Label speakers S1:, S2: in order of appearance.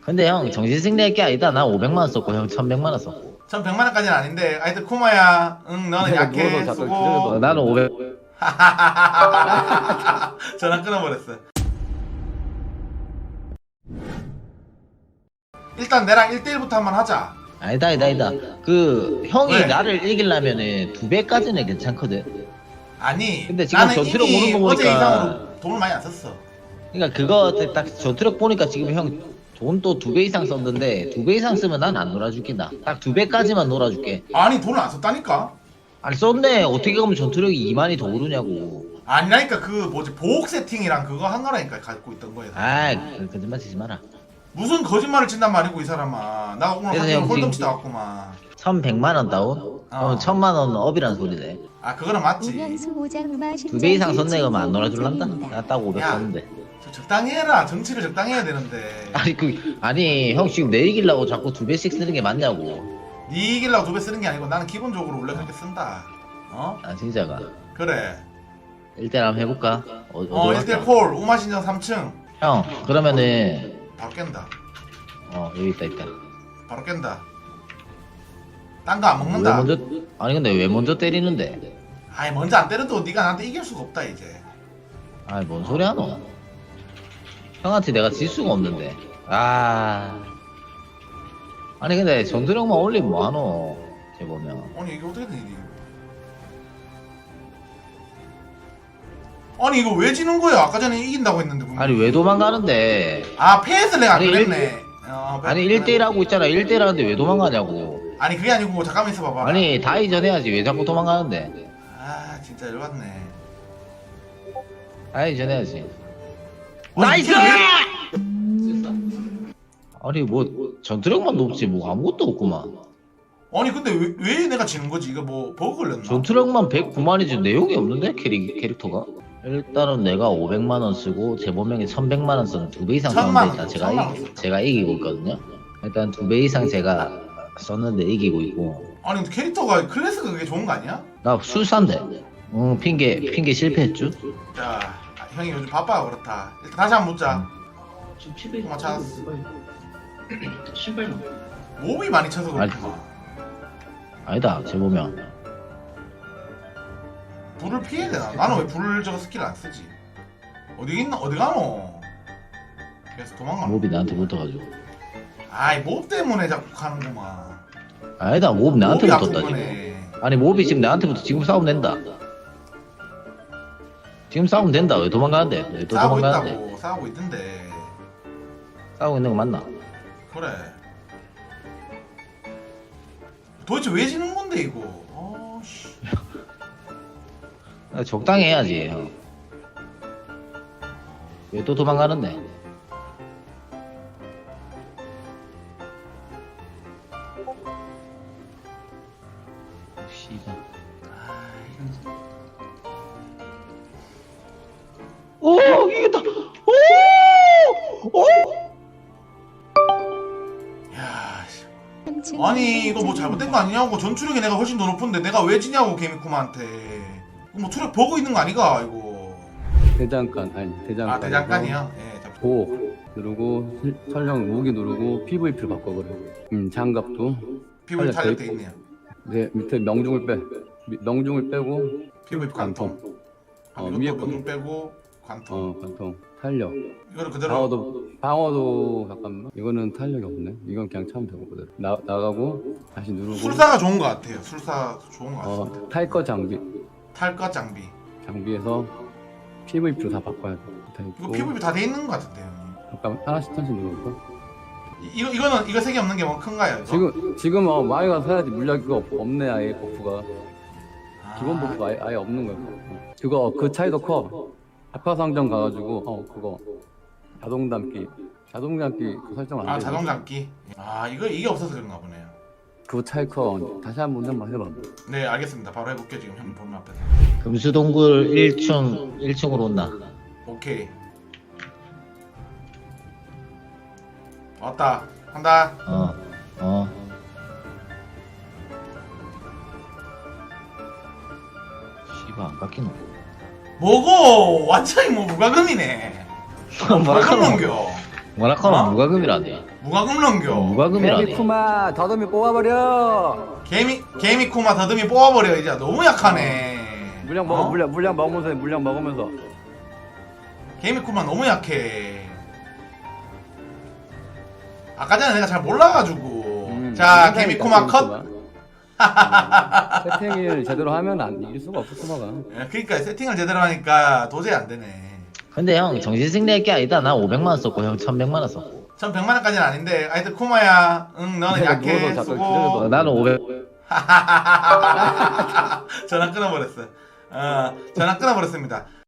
S1: 근데 형 정신승리할 게 아니다. 나 500만원 썼고 형 1100만원 썼고.
S2: 전 100만원까지는 아닌데 하여튼 쿠마야 응 너는 약해 수고.
S1: 나는 500.
S2: 전화 끊어버렸어. 일단 내랑 1대1부터 한번 하자.
S1: 아니다. 그 형이
S2: 왜?
S1: 나를 이기려면은 2배까지는 괜찮거든.
S2: 아니
S1: 근데 지금
S2: 나는
S1: 전투력
S2: 이미
S1: 오는 거
S2: 어제
S1: 보니까-
S2: 이상으로 돈을 많이 안 썼어.
S1: 그러니까 그거 딱 전투력 보니까 지금 형 돈 또 2배 이상 썼는데 2배 이상 쓰면 난 안 놀아줄게. 나 딱 2배까지만 놀아줄게.
S2: 아니 돈을 안 썼다니까.
S1: 아니 썼네. 어떻게 보면 전투력이 2만이 더 오르냐고.
S2: 아니라니까 그 뭐지 보호 세팅이랑 그거 한 거라니까 갖고 있던 거에서.
S1: 거짓말 치지 마라.
S2: 무슨 거짓말을 친단 말이고 이 사람아. 나 오늘
S1: 그래서
S2: 하루
S1: 형
S2: 홀덤
S1: 지금-
S2: 치다 왔구만.
S1: 1100만원 다운? 그럼 1000만원 업이란 소리네.
S2: 아 그거는 맞지.
S1: 2배 이상 썼네. 그러면 안 놀아줄란다? 나 딱 500
S2: 야.
S1: 썼는데.
S2: 적당히 해라. 정치를 적당히 해야 되는데.
S1: 아니 형 지금 내 이기려고 자꾸 2배씩 쓰는 게 맞냐고.
S2: 네 이기려고 2배 쓰는 게 아니고 나는 기본적으로 원래 그렇게 쓴다. 어?
S1: 아 진짜가.
S2: 그래.
S1: 1대1 한번 해볼까? 어디
S2: 1대1
S1: 갈까?
S2: 콜 우마신전 3층.
S1: 형 그러면은
S2: 바로 깬다.
S1: 여기 있다.
S2: 바로 깬다. 딴 거 안
S1: 왜
S2: 먹는다.
S1: 먼저 아니 근데 왜 먼저 때리는데?
S2: 아이 먼저 안 때려도 네가 나한테 이길 수가 없다 이제.
S1: 아이 뭔 소리 하노? 형한테 내가 질 수가 없는데. 아니 근데 전투력만 올리면 뭐하노? 쟤 보면.
S2: 아니 이게 어떻게 된 일이야? 아니 이거 왜 지는 거야? 아까 전에 이긴다고 했는데 분명히.
S1: 아니 왜 도망가는데?
S2: 아 패스 내가 안
S1: 아니,
S2: 그랬네.
S1: 아니 1대1 하고 있잖아. 1대1 하는데 왜 도망가냐고.
S2: 아니 그게 아니고 잠깐만 있어봐봐.
S1: 아니 다이전 해야지. 왜 자꾸 도망가는데?
S2: 아 진짜 열받네.
S1: 다이전 해야지.
S2: 아니,
S1: 나이스!
S2: 이게 왜-
S1: 아니 뭐 전투력만 높지 뭐 아무것도 없구만.
S2: 아니 근데 왜 내가 지는 거지? 이거 뭐 버그 걸렸나?
S1: 전투력만 109만이지 내용이 없는데 캐릭터가? 일단은 내가 500만원 쓰고 재범명이 1100만원 쓰는 2배 이상
S2: 1000만
S1: 썼는데
S2: 원,
S1: 일단
S2: 1000만 원.
S1: 제가 이기고 있거든요. 일단 2배 이상 제가 썼는데 이기고 있고.
S2: 아니 근데 캐릭터가 클래스가 그게 좋은 거 아니야?
S1: 나 술사인데. 핑계 실패했죠?
S2: 자 형이 요즘 바빠서 그렇다. 일단 다시 한번 묻자.
S3: 좀 피부에
S2: 그만 찾았어.
S3: 신발만.
S2: 몹이 많이 쳐서 그렇구만.
S1: 아니다 재범명.
S2: 불을 피해야 되나? 나는 왜 불 저거 스킬 안 쓰지? 어디 있나? 어디 가노? 그래서 도망가.
S1: 몹이 나한테 붙어가지고.
S2: 아이 몹 때문에 자꾸 가는구만.
S1: 아니다 몹 나한테
S2: 몹이 아픈
S1: 붙었다 지금.
S2: 거네.
S1: 아니 몹이 지금 나한테 붙어. 지금 싸우면 된다. 지금 싸우면 된다. 왜 도망가는데? 왜 또
S2: 싸우고
S1: 도망가는데?
S2: 있다고. 싸우고 있던데.
S1: 싸우고 있는 거 맞나?
S2: 그래. 도대체 왜 지는 건데 이거? 아씨.
S1: 적당히 해야지 형. 왜 또 도망가는데? 씨발. 오 이겼다. 오!
S2: 야. 씨. 아니 이거 뭐 잘못된 거 아니냐고. 전투력이 내가 훨씬 더 높은데 내가 왜 지냐고 개미쿠마한테. 이거 뭐 투력 버그 있는 거 아니가 이거.
S4: 대장간 아니 대장간.
S2: 아 대장간이야? 예. 자,
S4: 보 누르고 설정 무기 누르고 PVP로 바꿔버려. 장갑도.
S2: 피부에 탄력돼 있네요.
S4: 네 밑에 명중을 빼. 명중을 빼고
S2: 피부에 관통.
S4: 관통.
S2: 위에
S4: 위에
S2: 관통 빼고 관통.
S4: 관통. 탄력.
S2: 이거를 그대로.
S4: 방어도 잠깐만. 이거는 탄력이 없네. 이건 그냥 차면 되고 그대로. 나가고 다시 누르고.
S2: 술사가 좋은 거 같아요. 술사 좋은 거 같습니다.
S4: 탈거 장비.
S2: 탈것 장비.
S4: 장비에서 PVP로 다 바꿔야 돼. 다
S2: 이거
S4: 있고.
S2: PVP 다 돼 있는 거 같은데요. 형님.
S4: 잠깐 하나씩 누르고.
S2: 이거는 이거 색이 없는 게 뭐 큰가요? 이거?
S4: 지금 마이가 사야지. 물약이 없네. 아예 버프가.
S2: 아,
S4: 기본 버프 아예 없는 거야. 그거 그 차이도 커. 아파상점 가가지고 그거 자동 담기 그 설정 안 돼.
S2: 아 자동 잡기. 아 이게 없어서 그런가 보네요.
S4: 그 차이 커. 다시 한번 한번 해봐.
S2: 네 알겠습니다. 바로 해볼게요. 지금 형 보면 앞에서.
S1: 금수동굴 1층으로 온나.
S2: 오케이. 왔다. 한다.
S1: 씨발 안 깎이노.
S2: 뭐고? 완전히 뭐 무과금이네. 무과금 넘겨.
S1: 뭐라카노
S2: 어?
S1: 무과금이라네.
S2: 무과금 넘겨.
S1: 무과금이라네.
S4: 쿠마 더듬이 뽑아버려.
S2: 개미 쿠마 더듬이 뽑아버려 이제. 너무 약하네.
S4: 물량 먹어
S2: 어?
S4: 물량 먹으면서 해, 물량 먹으면서.
S2: 개미 쿠마 너무 약해. 아까 전에 내가 잘 몰라가지고. 자 개미 쿠마 컷.
S4: 세팅을 제대로 하면 안 이길 수가 없어 쿠마가.
S2: 그러니까 세팅을 제대로 하니까 도저히 안 되네.
S1: 근데 형 정신승리할 게 아니다. 나 500만 원 썼고 형 1100만 원 썼고.
S2: 1100만원까지는 아닌데 하여튼 쿠마야 응 너는
S4: 내가
S2: 약해
S4: 누워서
S2: 수고.
S4: 기다려서.
S1: 나는 500.
S2: 전화 끊어버렸어. 전화 끊어버렸습니다.